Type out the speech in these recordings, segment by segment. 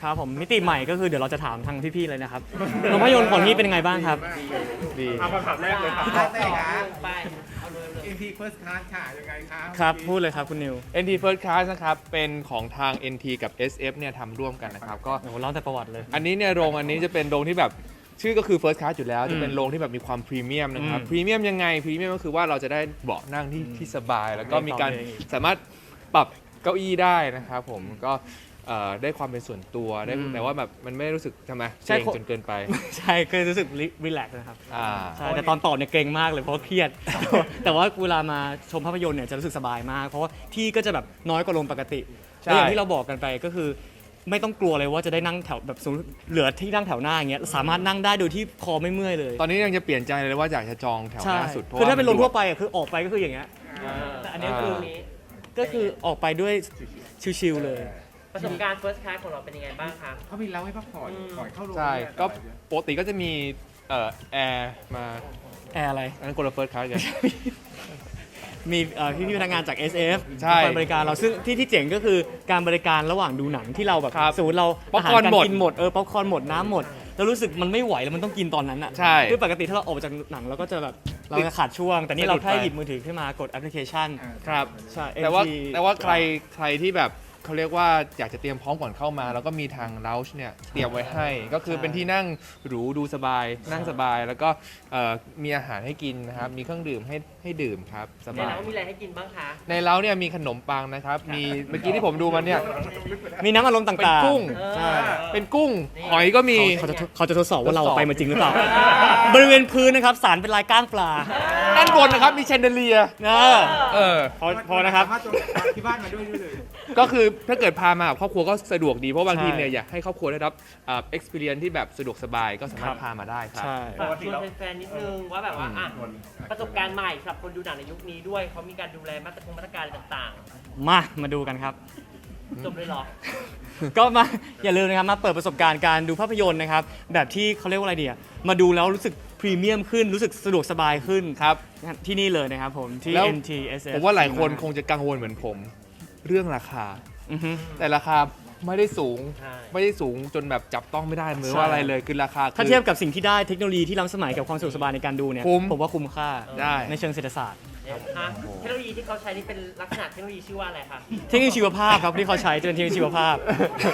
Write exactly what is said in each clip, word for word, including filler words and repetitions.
ครับผมมิติใหม่ก็คือเดี๋ยวเราจะถามทางพี่ๆเลยนะครับโรงภาพยนตร์ของนี่เป็นยังไงบ้างครับดีเอาคำถามแรกเลยครับคำถามแรกนะไปเอาเลยเลยเอ็น ที First Class ค่ะยังไงครับครับพูดเลยครับคุณนิวเอ็น ที First Class นะครับเป็นของทาง เอ็น ที กับ เอส เอฟ เนี่ยทำร่วมกันนะครับก็โอ้โหเล่าแต่ประวัติเลยอันนี้เนี่ยโรงอันนี้จะเป็นโรงที่แบบชื่อก็คือ First Class อยู่แล้วอืมจะเป็นโรงที่แบบมีความพรีเมียมนะครับอืมพรีเมียมยังไงพรีเมียมก็คือว่าเราจะได้เบาะนั่งที่ที่สบาย แล้วก็มีการไม่ต้องเลยสามารถปรับเก้าอี้ได้นะครับผมก็เอ่อได้ความเป็นส่วนตัวได้อืมแต่ว่าแบบมันไม่รู้สึกทำไมใช่เกรงจนเกินไปใช่เคยรู้สึกรีแลกซ์นะครับอ่าใช่แต่ตอนตอบเนี่ยเกรงมากเลยเพราะว่าเครียด แต่ว่าเวลามาชมภาพยนตร์เนี่ยจะรู้สึกสบายมาก เพราะว่าที่ก็จะแบบน้อยกว่าโรงปกติใช่และอย่างที่เราบอกกันไปก็คือ ไม่ต้องกลัวเลยว่าจะได้นั่งแถวแบบสมมุติเหลือที่นั่งแถวหน้าอย่างเงี้ยสามารถนั่งได้โดยที่คอไม่เมื่อยเลยตอนนี้ยังจะเปลี่ยนใจเลยว่าอยากจะจองแถวหใช่น้าสุดพระคือถ้าเป็นโรงทั่วมัไปอะคือออกไปก็คืออย่างเงี้ยแต่อันนี้คือนี้ก็คือออกไปด้วยชิลๆเลยประสบการณ์ first class ของเราเป็นยังไงบ้างคะเขามีเล้าให้พักผ่อนก่อนเข้าโรงใช่ ก็ปกติก็จะมีเอ่อแอร์มาแอร์อะไรอันนั้นคนละเฟิร์สคลาสกันมีเอ่อพี่ๆพนักงานจาก เอส เอฟใช่คอยบริการเราซึ่งที่ที่เจ๋งก็คือการบริการระหว่างดูหนังที่เราแบบครับสมมติเราป๊อปคอร์นาาหมดกินหมดเออป๊อปคอร์นหมดน้ำหมดแล้วรู้สึกมันไม่ไหวแล้วมันต้องกินตอนนั้นอ่ะใช่คือปกติถ้าเราออกมาจากหนังเราก็จะแบบเราจะขาดช่วง แต่นี่เราแค่สะดุดไปหยิบมือถือขึ้นมากดแอปพลิเคชันครับใช่แต่ว่าเอ็ม ทีแต่ว่าใครใครที่แบบเขาเรียกว่าอยากจะเตรียมพร้อมก่อนเข้ามา แล้วก็มีทาง lounge เนี่ยเตรียมไว้ให้ ก็คือเป็นที่นั่งหรูดูสบาย นั่งสบาย แล้วก็เอ่อมีอาหารให้กินนะครับ มีเครื่องดื่มให้ให้ดื่มครับสในบายเรามีอะไรให้กินบ้างคะในเล้าเนี่ยมีขนมปังนะครับ มีเมื่อกี้ที่ผมดูมันเนี่ยมีน้ำอารมณ์เป็นต่างๆกุ้งใช่เป็นกุ้ง หอยก็มีเขาจะเขาจะทดสอบว่าเราทดสอบไปมาจริงหรือเปล่า บริเวณพื้นนะครับสารเป็นลายก้างปลาด้านบนนะครับมีแชนเดเลียเออเออพอพอนะครับสามารถจองที่บ้านมาด้วยได้เลยก็คือถ้าเกิดพามากับครอบครัวก็สะดวกดี เพราะบางทีใช่เนี่ยอยากให้ครอบครัวได้รับเอ่อ experience ที่แบบสะดวกสบายก็สามารถพามาได้ครับใช่ฝากชวนแฟนๆนิดนึงว่าแบบว่าอ่ะประสบการณ์ใหม่สำหรับคนดูหนังในยุคนี้ด้วยเขามีการดูแลมาตรการมาตรการอะไรต่างมามาดูกันครับๆจบเลยเหรอก็มาอย่าลืมนะครับมาเปิดประสบการณ์การดูภาพยนตร์นะครับแบบที่เขาเรียกว่าอะไรเดียมาดูแล้วรู้สึกพรีเมียมขึ้นรู้สึกสะดวกสบายขึ้นครับที่นี่เลยนะครับผมที่แล้วเอ็น ที เอส เอฟผมว่าหลายคนคงจะกังวลเหมือนผม เรื่องราคาอือฮึแต่ราคาไม่ได้สูงใช่ไม่ได้สูงจนแบบจับต้องไม่ได้เหมือนใช่ว่าอะไรเลยคือราคาถ้าคือเทียบกับสิ่งที่ได้เทคโนโลยีที่ล้ำสมัยกับความสะดวกสบายในการดูเนี่ยคุ้มผมว่าคุ้มค่าได้ในเชิงเศรษฐศาสตร์เนี่ยอ่ะเทคโนโลยีที่เขาใช้นี่เป็นลักษณะเทคโนโลยีชื่อว่าอะไรคะเทคโนโลยีชีวภาพครับที่เขาใช้จะเป็นเทคโนโลยีชีวภาพ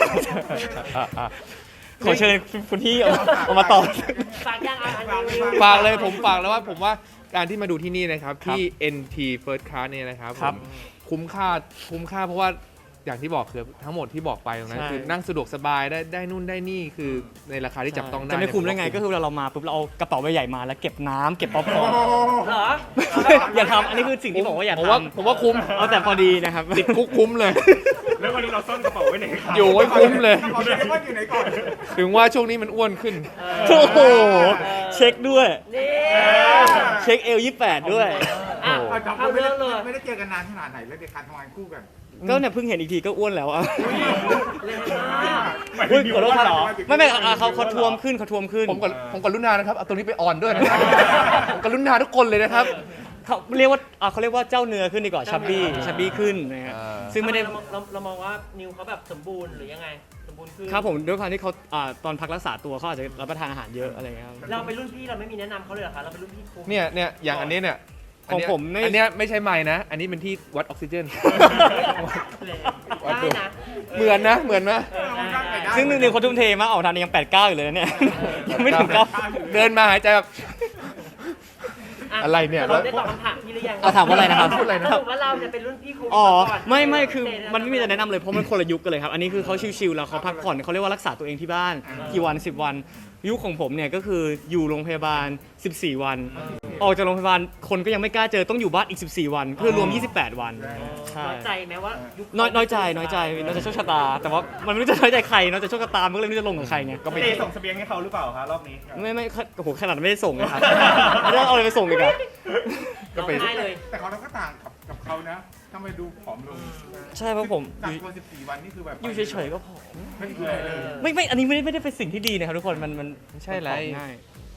ขอเชิญคุณพี่เอาเอามาตอบฝากย่างอาหารรีวิวฝากเลยผมฝากแล้วว่าผมว่าการที่มาดูที่นี่นะครับครับที่ เอ็น ที First Class เนี่ยนะครับครับผมคุ้มค่าคุ้มค่าเพราะว่าอย่างที่บอกคือทั้งหมดที่บอกไปตรงนั้นใช่คือนั่งสะดวกสบายได้ได้นู่นได้นี่คือในราคาที่จับต้องได้จะไม่คุ้มได้ไงเนี่ยก็คือเวลาเรามาปุ๊บเราเอากระเป๋าใบใหญ่มาแล้วเก็บน้ำเก็บป๊อปคอร์นเหรออย่าทำอันนี้คือสิ่งที่บอกว่าอย่าผมทว่าผมว่าคุ้มำเอาแต่พอดีนะครับติดคุกคุ้มเลยแล้ววันนี้เราซ่อนกระเป๋าไว้ไหนครับอยู่ไว้คุ้มเลยกระเป๋าเดเรมอนอยู่ไหนก่อนถึงว่าช่วงนี้มันอ้วนขึ้นโอ้โหเช็คด้วยนี่เช็คเอลยี่แปดด้วยอ่ะเอาครับเข้าไม่เรื่ได้องเลยไม่ได้เจอกันนานขนาดไหนแล้วในการทำงานคู่กันก็เนี่ยเพิ่งเห็นอีกทีก็อ้วนแล้วอ่ะเร็วมากหมายถึอุ้ยงมีขอโทษว่าครับเหรอไม่ไม่อ่ะเขาเขาทวมขึ้นเขาทวมขึ้นผมกับผมกับลุนานะครับเอาตรงนี้ไปออนด้วยนะครับผมกับลุนาทุกคนเลยนะครับเขาเรียกว่าอ่ะเขาเรียกว่าเจ้าเนื้อขึ้นดีกว่าชับบี้ชับบี้ขึ้นนะฮะอ่าซึ่งไม่ได้เราเราเรามองว่านิวเขาแบบสมบูรณ์หรือยังไง สมบูรณ์คือครับผมด้วยความที่เขาอ่าตอนพักรักษาตัวเขาอาจจะรับประทานอาหารเยอะอะไรเงี้ยครับเราเป็นรุ่นพี่เราไม่มีแนะนำเขาเลยเหรอคะเราเป็นรุ่นพี่ครูเนี่ยเนี่ยอย่างอันนี้เนี่ยของผมไม่อันเนี้ยไม่ใช่ไม้นะ อันนี้เป็นที่วัดออกซิเจนได้นะเหมือนนะเหมือนนะเออได้ได้ซึ่งหนึ่งหนึ่งเขาทุ่มเทมากออกทานยังแปดเก้าอยู่เลยนะเนี่ย ยังไม่ถึงเก้าเดินมาหายใจแบบ อะไรเนี่ยเราได้ตอบคำถามพี่หรือยังเอาถามว่าอะไรนะครับพูดอะไรนะสรุปว่าเราจะเป็นรุ่นพี่ครูอ๋อก่นไม่ไม่คือมันไม่มีจะแนะนำเลยเพราะมันคนละยุคกันเลยครับ อันนี้คือเขาชิวๆแล้วเขาพักผ่อนเขาเรียกว่ารักษาตัวเองที่บ้านกี่วันสิบวัน ยุคของผมเนี่ยก็คืออยู่โรงพยาบาลสิบสี่วัน ออกจากโรงพยาบาลคนก็ยังไม่กล้าเจอต้องอยู่บ้านอีกสิบสี่วันคือรวมยี่สิบแปดวันใช่น้อยใจไหมว่ายุคน้อยน้อยใจน้อยใจน้อยใจโชคชะตา แต่ว่ามันไม่รู้จะน้อยใจใครน้อยใจโชคชะตามันก็เลยไม่รู้จะลงกับใครไงก็ไม่เตส่งเสบียงให้เขาหรือเปล่าคะรอบนี้ไม่ไม่โอ้โหขนาดไม่ได้ส่งนะครับไม่ได้เอาอะไรไปส่งอีกอะก็ไปได้เลยแต่ของเราก็ต่างกับกับเขานะทำไมดูผอมลงใช่เพราะผมอกักยู่ตัวสิบสี่วันนี่คือแบบอยู่เฉยๆก็พอไม่คืออะไรเลยไม่ไม่อันนี้ไม่ได้ไม่ได้เป็นสิ่งที่ดีนะครับทุกคนมันมันไม่ใช่ไรมันง่าย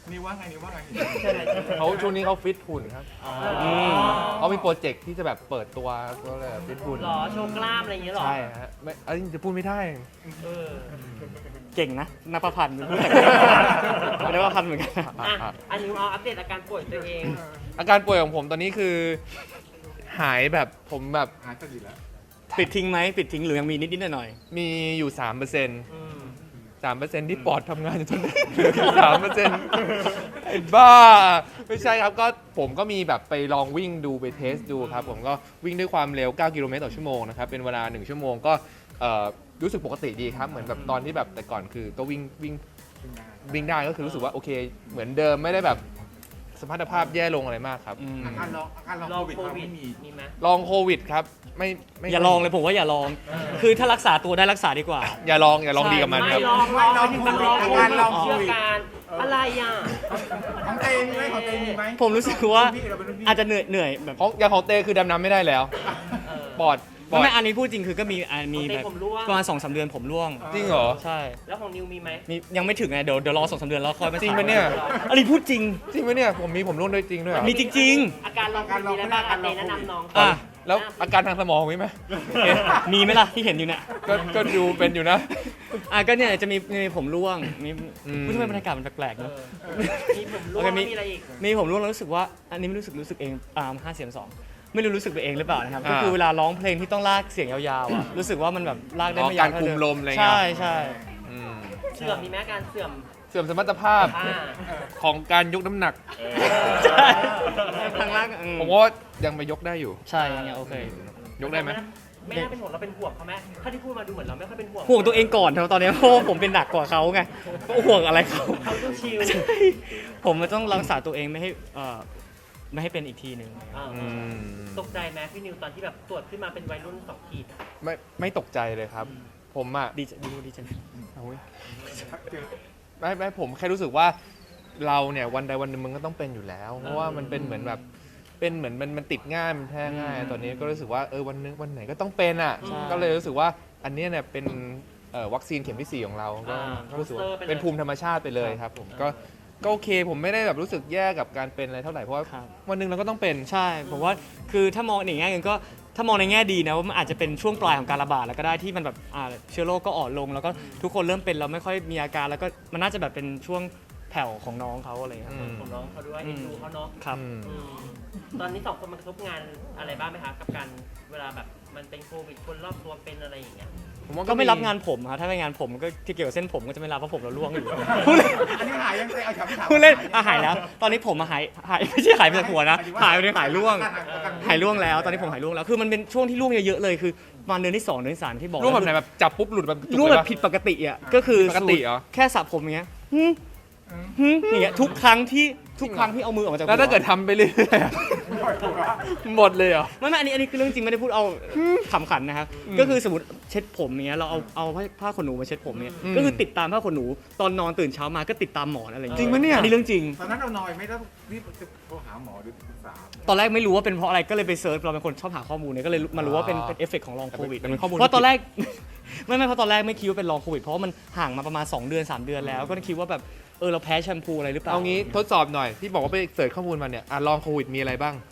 นี่ว่าไงนี่ว่าไงเขาช่วงนี้เขาฟิตหุ่นครับอืมเขามีโปรเจกต์ที่จะแบบเปิดตัวก็เลยฟิตหุ่นหรอโชว์กล้ามอะไรอย่างเงี้ยหรอใช่ฮะไม่เอ้ยจะพูดไม่ได้เออเก่งนะนภพันธ์เป็นผู้แต่งเป็นนภพันธ์เหมือนกันนะอ่ะอันนี้เอาอัปเดตอาการป่วยตัวเองอาการป่วยของผมตอนนี้คือหายแบบผมแบบหาสติแล้วปิดทิ้งไหมปิดทิ้งหรือยังมีนิดๆหน่อยมีอยู่สามเปอร์เซ็นต์อืมสามเปอร์เซ็นต์ที่ปอดทำงานอยู่ตอนนี้เหลือสามเปอร์เซ็นต์ไอ้บ้า ไม่ใช่ครับก็ผมก็มีแบบไปลองวิ่งดูไปเทสดูครับ ผมก็วิ่งด้วยความเร็ว เก้า กิโลเมตรต่อชั่วโมงนะครับ เป็นเวลา หนึ่ง ชั่วโมงก็เอ่อรู้สึกปกติดีครับ เหมือนแบบตอนที่แบบแต่ก่อนคือก็วิ่งวิ่งวิ่งได้ก็คือรู้สึกว่าโอเค เหมือนเดิมไม่ได้แบบสมรรถภาพแย่ลงอะไรมากครับๆอืมอาการลองอาการลองลองโควิดโคเราวิดไม่มีมีไหมลองโควิดครับไม่ไม่อย่าลองเลยผมว่าอย่าลอง คือถ้ารักษาตัวได้รักษาดีกว่าอย่าลองอย่าลองดีกับมันคไม่รับลองลองแบบลองอาโคการวิดลองโคเชื่อวิดการอะไรอ่ะของเตมีไหมของเตมีไหมผมรู้สึกว่าพี่เราเป็นรุ่นพี่อาจจะเหนื่อยเหนื่อยแบบของอย่างของเต้คือดำน้ำไม่ได้แล้วเออปอดปอไม่ดไม่อันนี้พูดจริงคือก็มีอ่ะมีของเต้แบบผมร่วงประมาณสองสามเดือนผมร่วงจริงเหรอใช่แล้วของนิวมีไหมมียังไม่ถึงไงเดี๋ยวเดี๋ยวรอสองสามเดือนแล้วค่อยมาจริงปะเนี่ยอันนี้พูดจริงจริงไหมเนี่ยผมมีผมร่วงด้วยจริงด้วยเหรอมีจริงอาการลองโควิดมีอะไรบ้างอาเต้แนะนำน้องๆอ่ะแล้วอาการทางสมองมีไหมเอ๊ะมีไหมล่ะที่เห็นอยู่เนี่ยก็ก็ดูเป็นอยู่นะอ่ะก็เนี่ยจะมีมีผมร่วงมีอืมพูดทำไมบรรยากาศมันแปลกๆเอเนอะอมีผมร่วงโอเคมีมีอะไรอีกมีผมร่วงแล้วรู้สึกว่าอันนี้ไม่รู้สึกรู้สึกเองอ่าห้าเสียงสองไม่รู้รู้สึกไปเองหรือเปล่านะครับก็คือเวลาร้องเพลงที่ต้องลากเสียงยาวๆอ่ะรู้สึกว่ามันแบบลากได้อ๋อไม่ยาวการเท่คุมเดิลมอะไรเงี้ยใช่ใช่อืมเสื่อมมีไหมอาการเสื่อมเสื่อมสมรรถภาพอ่าของการยกน้ำหนักใช่ทางล่างอืผมว่ายังไปยกได้อยู่ใช่อย่างเงี้ยโอเคยกได้ไหมไม่น่าเป็นห่วงเราเป็นห่วงเขาไหมถ้าที่พูดมาดูเหมือนเราไม่ค่อยเป็นห่วงห่วงตัวเองก่อนเถอะตอนนี้เพราะว่าผมเป็นหนักกว่าเขาไงก็ห่วงอะไรเขาเขาดูชิลใช่ผมมันต้องรักษาตัวเองไม่ให้เอ่อไม่ให้เป็นอีกทีหนึ่งอ่าอืมตกใจไหมพี่นิวตอนที่แบบตรวจขึ้นมาเป็นวัยรุ่นสองขีดอะไม่ไม่ตกใจเลยครับ ผมอ่ะดีใจดีดีใจเอาเว้ยไม่ไม่ผมแค่รู้สึกว่าเราเนี่ยวันใดวันหนึ่งมันก็ต้องเป็นอยู่แล้ว เพราะว่ามันเป็นเหมือนแบบเป็นเหมือนมันมันติดง่ายมันแพร่ง่าย ตอนนี้ก็รู้สึกว่าเออวันนึงวันไหนก็ต้องเป็นอ่ะก็เลยรู้สึกว่าอันเนี้ยเนี่ยเป็นเอ่อวัคซีนเข็มที่สี่ของเราก็ก็รู้สึกว่าเป็นภูมิธรรมชาติไปเลยครับผมก็ก็โอเคผมไม่ได้แบบรู้สึกแย่กับการเป็นอะไรเท่าไหร่เพราะว่าครับวันหนึ่งเราก็ต้องเป็นใช่ผมว่าคือถ้ามองในแง่หนึงก็ถ้ามองในแง่ดีนะว่ามันอาจจะเป็นช่วงปลายของการระบาดแล้วก็ได้ที่มันแบบอ่าเชื้อโรคก็อ่อนลง แล้วก็ทุกคนเริ่มเป็นแล้วไม่ค่อยมีอาการแล้วก็มันน่าจะแบบเป็นช่วงแผ่วของน้องเขาอะไรอย่างเงี้ยอืมของน้องเขาด้วยเอ็นดูเขาเนาะครับอืมอืมตอนนี้สองคนมันกระทบงานอะไรบ้างไหมคะกับการเวลาแบบมันเป็นโควิดคนรอบตัวเป็นอะไรอย่างเงี้ยผมว่าก็ไม่รับงานผมครับถ้าไม่งานผมก็ที่เกี่ยวกับเส้นผมก็จะไม่รับเพราะผมเราล่วงอยู่ พูดเล่นอันนี้หายยังเตเอาถามถามพูดเล่นอ่ะหายแล้ว ตอนนี้ผมมาหายหายไม่ใช่หายไปจากหัวนะหายไปเลยหายร่วง หายร่วงแล้ว ตอนนี้ผมหายร่วงแล้ว คือมันเป็นช่วงที่ร่วงเยอะๆเลยคือประมาณเดือนที่สองเดือนที่สามที่บอกร่วงแบบไหนแบบจับปุ๊บหลุดแบบจุกร่วงเลยแบบปะผิดปกติอ่ะก็คือปกติเหรอแค่สระผมอย่างเงี้ยหึหึอย่างเงี้ยทุกครั้งที่ทุกครั้งที่เอามือออกมาจากหัแล้วถ้าเกิดทำไปเรื่อยๆอะหมดเลยเหรอไม่ไม่อันนี้อันนี้คือเรื่องจริงไม่ได้พูดเอาขำขันนะครับก็คือสมมติเช็ดผมอย่างเงี้ยเราเอาเอาผ้าผ้าขนหนูมาเช็ดผมเนี่ยอืมก็คือติดตามผ้าขนหนูตอนนอนตื่นเช้ามาก็ติดตามหมอนอะไรอย่างจริเงี้งปะเนี่ยอันนี้เรื่องจริงตอนนั้นเรานอยไม่ต้องรีบจะโทรหาหมอหรือปรึกษาตอนแรกไม่รู้ว่าเป็นเพราะอะไรก็เลยไปเซิร์ชเราเป็นคนชอบหาข้อมูลเนี่ยก็เลยมารู้ว่าเป็นอ๋อเป็นเอฟเฟกต์ของลองโควิดแต่เป็นข้อมูลเพราะตอนแรก ไม่ไม่เพราะตอนแรกไม่คิดว่าเป็นลองโควิดเพราะว่ามันห่างมาประมาณสองเดือนสามเดือนแล้ว ก็คิดว่าแบบเออเราแพ้แชมพูอะไรหรือเปล่าเอางี้ทดสอบหน่อยที่บอกว่าไปเสิร์ชข้อมูลมาเนี่ยอ่ะลองโควิดมีอะไรบ้าง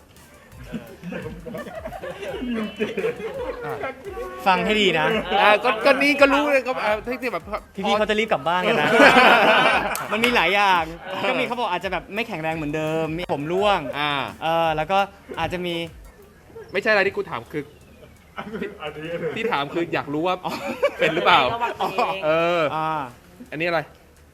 อ่ะฟังให้ดีนะอ่ะก็ก็นี่ก็รู้เลยก็อ่ะที่แบบพี่ๆเขาจะรีบกลับบ้านกันนะ มันมีหลายอย่างก็มีเขาบอกอาจจะแบบไม่แข็งแรงเหมือนเดิมมีผมร่วงอ่าเออแล้วก็อาจจะมีไม่ใช่อะไรที่กูถามคือที่ถามคืออยากรู้ว่าเป็นหรือเปล่าระวังตัวเองเอออ่าอันนี้อะไร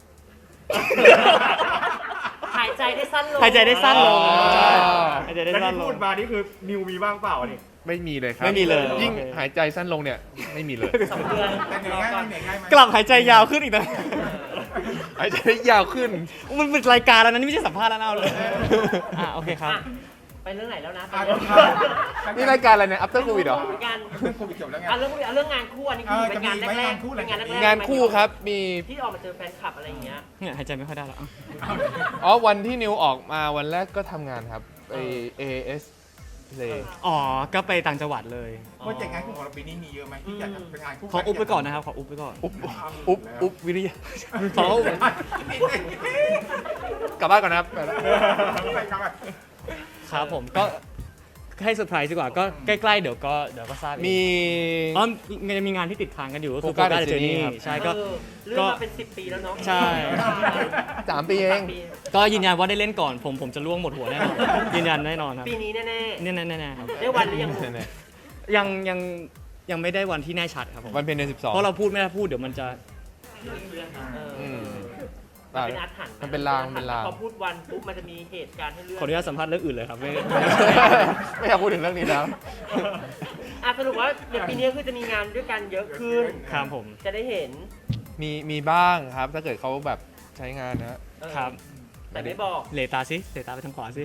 หายใจได้สั้นลงหายใจได้สั้นลงอ๋อใช่หายใจได้แล้วสั้นที่ลพูงดมานี่คือนิวมีบ้างเปล่านี่ไม่มีเลยครับไม่มีเลยยิ่งโอเคหายใจสั้นลงเนี่ยไม่มีเลยสองเดือนแต่เหนื่อยง่ายไหมเหนื่อยง่ายไหมกลับหายใจยาวขึ้นอีกนะหายใจได้ยาวขึ้นมันเป็นรายการแล้วนะนี่ไม่ใช่สัมภาษณ์แล้วนะเอาเลยอ่ะโอเคครับอ่ะไปเรื่องไหนแล้วนะอ่ะนี่รายการอะไรเนี่ย after covid เหรองานเรื่องโควิดจบแล้วไงอ่ะเรื่องอ่ะเรื่องงานคู่อันนี้คือเป็นงานแรกเออจะมีไหมงานคู่ๆเป็นงานแรกๆงานคู่ครับมีที่ออกมาเจอแฟนคลับอะไรอย่างเงี้ยเนี่ยหายใจไม่ค่อยได้แล้วอ่ะอ๋อวันที่นิวออกมาวันแรกก็ทำงานครับไป เอ เอส Play อ๋อก็ไปต่างจังหวัดเลยโปรเจกต์งานคู่ของเราปีนี้มีเยอะไหมที่อยากจะเป็นงานคู่ขออุบไปก่อนนะครับขออุบไปก่อนอุ๊บอุ๊บอุ๊บวิริยะขออุบกลับบ้านก่อนนะครับไปกลับมาครับผมก็ให้เซอร์ไพรส์ดีกว่าก็ใกล้ๆเดี๋ยวก็เดี๋ยวก็ทราบเองมีอ๋อมันจะมีงานที่ติดค้างกันอยู่ก็คือ Focus Focus The Journey Journey ครับใช่ก็เออเรื่องมาเป็นสิบปีแล้วเนาะใช่สามปีเองสามปีก็ยืนยันว่าได้เล่นก่อนผมผมจะล่วงหมดหัวแน่นอนยืนยันแน่นอนครับปีนี้แน่แน่ๆแน่ๆครับๆได้วันหรือยังยังยังยังไม่ได้วันที่แน่ชัดครับผมวันเพ็ญเดือนสิบสองเพราะเราพูดไม่ได้พูดเดี๋ยวมันจะเอออืมมันเป็นอาถรรพ์มันเป็นลางเป็นลางพอพูดวันปุ๊บมันจะมีเหตุการณ์ให้เลือกขออนุญาตสัมภาษณ์เรื่องอื่นเลยครับไม่ไม่อยากพูดถึงเรื่องนี้แล้วอ่ะสรุปว่าเดี๋ยวปีนี้คือจะมีงานด้วยกันเยอะขึ้นครับผมจะได้เห็นมีมีบ้างครับ ถ้าเกิดเขาแบบใช้งานนะเออครับแต่ไม่บอกเหลตาสิเหลตาไปทางขวาสิ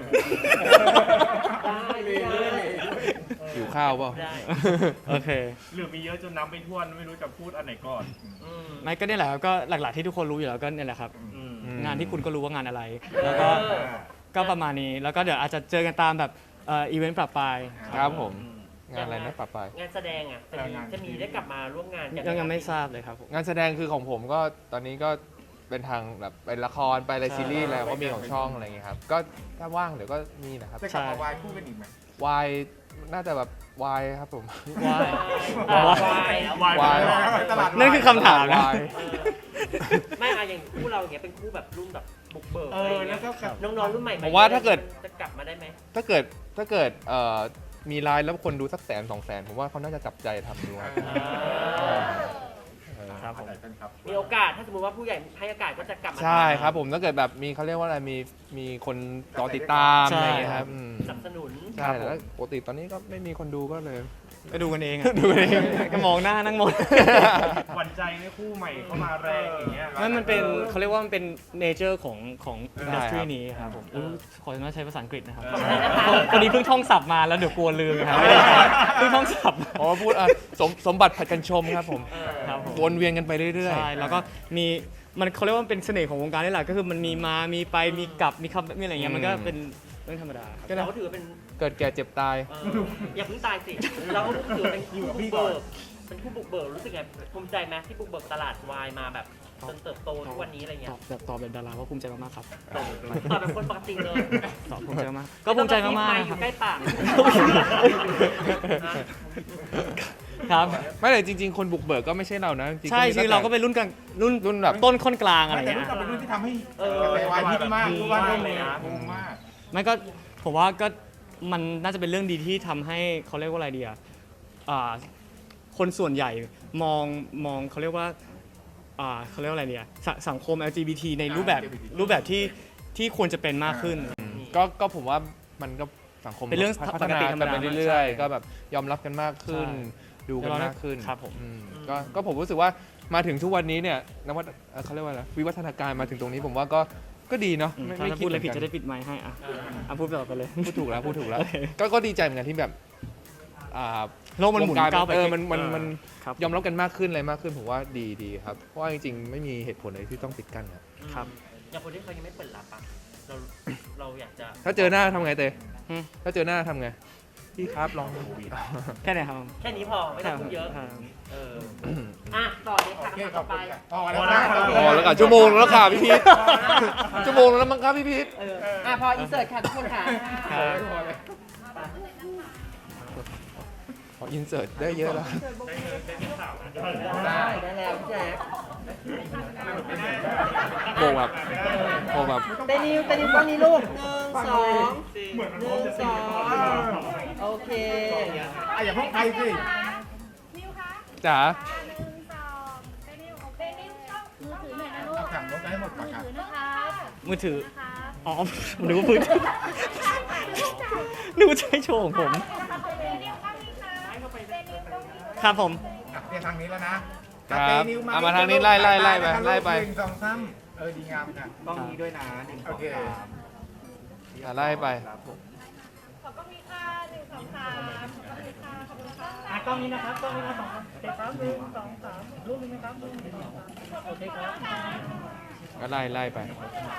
ได้ไม่ได้หิวข้าวเปล่าได้โอเคหรือมีเยอะจนนับไม่ถ้วนไม่รู้จะพูดอันไหนก่อนอืมไม่ก็เนี่ยแหละครับก็หลักๆที่ทุกคนรู้อยู่แล้วก็เนี่ยแหละครับอืมอืมงานที่คุณก็รู้ว่างานอะไร แล้วก็ก็ประมาณนี้แล้วก็เดี๋ยวอาจจะเจอกันตามแบบเอ่ออีเวนต์ปรับปลายครับผม งานอะไรนะปรับไปงานแสดงอ่ะจะมีจะมีได้กลับมาร่วมงานกันยังยังไม่ทราบเลยครับผมงานแสดงคือของผมก็ตอนนี้ก็เป็นทางแบบเป็นละครไปอะไรซีรีส์อะไรก็มีของช่องอะไรอย่างเงี้ยครับ ก็ถ้าว่างเดี๋ยวก็มีนะครับจะกลับมาวายคู่กันอีกไหมวายน่าจะแบบวายครับผมว้ายอ่ะว้ายวายแล้ววายวายตลาดนั่นคือคำถามนะวายเออไม่อะอย่างคู่เราอย่างเงี้ยเป็นคู่แบบรุ่นแบบบุกเบิกเออะไรออย่างแล้เงี้วย ก็น้องๆรุ่นใหม่ผมว่าถ้าเกิดจะกลับมาได้ไหมถ้าเกิดถ้าเกิดเอ่อมีไลน์แล้วคนดูสักแสนสองแสนผมว่าเขาน่าจะจับใจทำดูครับครับผมครับมีโอกาสถ้าสมมติว่าผู้ใหญ่ให้โอกาสก็จะกลับมาใช่ครับผมถ้าเกิดแบบมีเขาเรียกว่าอะไรมีมีคนรอติดตามใช่อะไรอย่างเงี้ยครับอืมสนับสนุนใช่แล้วปกติตอนนี้ก็ไม่มีคนดูก็เลยก็ดูกันเองอะดูเองก็มองหน้านั่งมองหวั่นใจในคู่ใหม่เข้ามาแรงอย่างเงี้ยนั่นมันเป็นเขาเรียกว่ามันเป็นเนเจอร์ของของอินดัสทรีใช่ครับนี้ครับผมอุ๊ยขออนุญาตใช้ภาษาอังกฤษนะครับขอบคุณนะคะคนนี้เพิ่งท่องศัพท์มาแล้วเดี๋ยวกลัวลืมนะครับไม่ได้เพิ่งท่องศัพท์อ๋อพูดอ่ะสมสมบัติผัดกันชมครับผมครับผมวนเวียนกันไปเรื่อยใช่แล้วก็มีมันเขาเรียกว่ามันเป็นเสน่ห์ของวงการนี่แหละก็คือมันมีมามีไปมีกลับมีคำมีอะไรเงี้ยมันก็เป็นเรื่องธรรมดาครับก็นะเราก็ถือว่าเป็นเกิดแก่เจ็บตายเอ่ออย่าเพิ่งตายสิ เราก็ถือว่าเป็นคู่บุกเบิกเป็นคู่บุกเบิกรู้สึกไงภูมิใจไหมที่บุกเบิกตลาดวายมาแบบจนเติบโตทุกวันนี้อะไรตเงี้ยอบแบบตอบแบบดาราว่าภูมิใจมากๆครับตอบแบบคนปกติเลยตอบภูมิใจมากก็ภูมิใจมากไอๆคยู่รับใกล้ปากครับไม่แต่จริง ๆ คนบุกเบิกก็ไม่ใช่เรานะจริงๆใช่มีคือตั้งแต่เราก็เป็นรุ่นกลางรุ่นรุ่นแบบต้นค่อนกลางอะไรแต่เงี้รุ่นยกับเป็นรุ่นที่ทำให้เออกระแสวายฮิตมากทุกวันมากเลเลย ยนะนะงงมากไม่ก็ผมว่าก็มันน่าจะเป็นเรื่องดีที่ทำให้เขาเรียกว่าอะไรดีอ่ะอ่าคนส่วนใหญ่มองมองเขาเรียกว่าอ่าเขาเรียกว่าอะไรเนี่ยสสังคม แอล จี บี ที ในรูปแบบแอล จี บี ทีรูปแบบที่ที่ควรจะเป็นมากขึ้นอืมก็ก็ผมว่ามันก็สังคมเป็นเรื่องพัฒนาปกติธรรมกันดาไปเรื่อยใช่ๆ ก็แบบยอมรับกันมากขึ้นใช่ดูกันมากขึ้นครับผมอืมก็ก็ผมรู้สึกว่ามาถึงทุกวันนี้เนี่ยนวัตเอ่อเขาเรียกว่าอะไรวิวัฒนาการมาถึงตรงนี้ผมว่าก็ก็ดีเนาะอืมไม่ถ้าไม่พูดอะไรผิดเหมืจะอนได้กันปิดไมค์ให้อ่ะอ่ะพูดต่อไปเลยพูดถูกแล้วพูดถูกแล้วโอเคก็ก็ดีใจเหมือนกันที่แบบอ่าโลกมันหมุนวงรก้าวไปเออมันมันมันครับยอมรับกันมากขึ้นอะไรมากขึ้นผมว่าดีดีครับ เพราะว่าจริงๆ ไม่มีเหตุผลอะไรที่ต้องปิดกั้นครับครับอย่างคนที่เขายังไม่เปิดรับอ่ะเราเราอยากจะถ้าเจอหน้าทำไงเต้อืมถ้าเจอหน้าทำไง พี่ครับลองแค่ไหนครับแค่นี้พอไม่ต้องพูดเยอะครับเอออ่ะต่อเลยค่ะโอเคคำถามขต่ออบ ไปคุณค่ะพอแล้วนะพอแล้วค่ะชั่วโมงแล้วค่ะพี่พีทชั่วโมงแล้วมั้งครับพี่พีทเอออ่ะพออินเสิร์ตค่ะทุกคนค่ะครับขออินเสิร์ตได้เยอะแล้วได้ได้แล้วพี่แจ๊คโมงแบบโมงแบบเตนิวเตนิวกล้องนี้ลูกหนึ่งสองหนึ่งสองโอเคอ่ะอย่าเพิ่งไปสินิวคะจ๋าหนึ่งสองเดนิวโอเคนิวต้องมือถือหน่อยนะลูกเอาถังรถไปให้หมดก่อนครับถือนะคะมือถือนะคะอ๋อหนูว่าพื้นหนูใช้โชว์ของผมเดนิวต้องมีค่ะเดนิวต้องมีครับผมอ่ะเรียนทางนี้แล้วนะครับเตนิวเอามาทางนี้ไล่ไล่ไล่ไปไล่ไปหนึ่งสองสามเออดีงามค่ะต้องนี้ด้วยนะหนึ่งโอเคอ่ะไล่ไปขอบคุณค่ะหนึ่งสองสามขอบคุณค่ะขอบคุณค่ะอ่ะกล้องนี้นะครับกล้องนี้นะสองโอเคครับหนึ่งสองสามรูปหนึงนะครับรูปหนึ่งสองสามโอเคครับก็ไล่ไล่ไป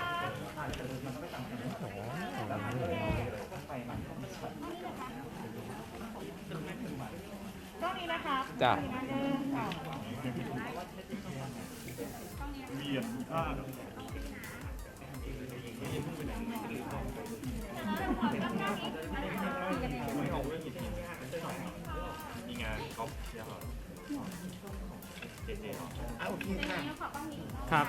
กล้องนี้นะคะจ้ะหนึ่งสองเวียนอ่ามีงานก๊อฟเชียร์เหรอเจเจเหรออ่ะโอเคค่ะครับ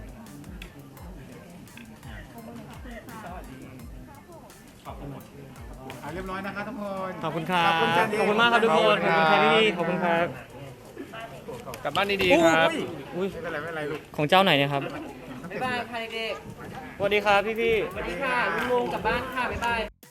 อ่ะเรียบร้อยนะคะทุกคนขอบคุณครับขอบคุณจันขอบคุณมากครับทุกคน ขอบคุณครับพี่ๆขอบคุณครับกลับบ้านดีๆครับอุ้ยไม่เป็นไรไม่เป็นไรลูกของเจ้าไหนเนี่ยครับบ๊ายบายค่ะเด็กสวัสดีครับพี่ๆๆสวัสดีค่ะลุงๆกลับบ้านค่ะ บ๊ายบาย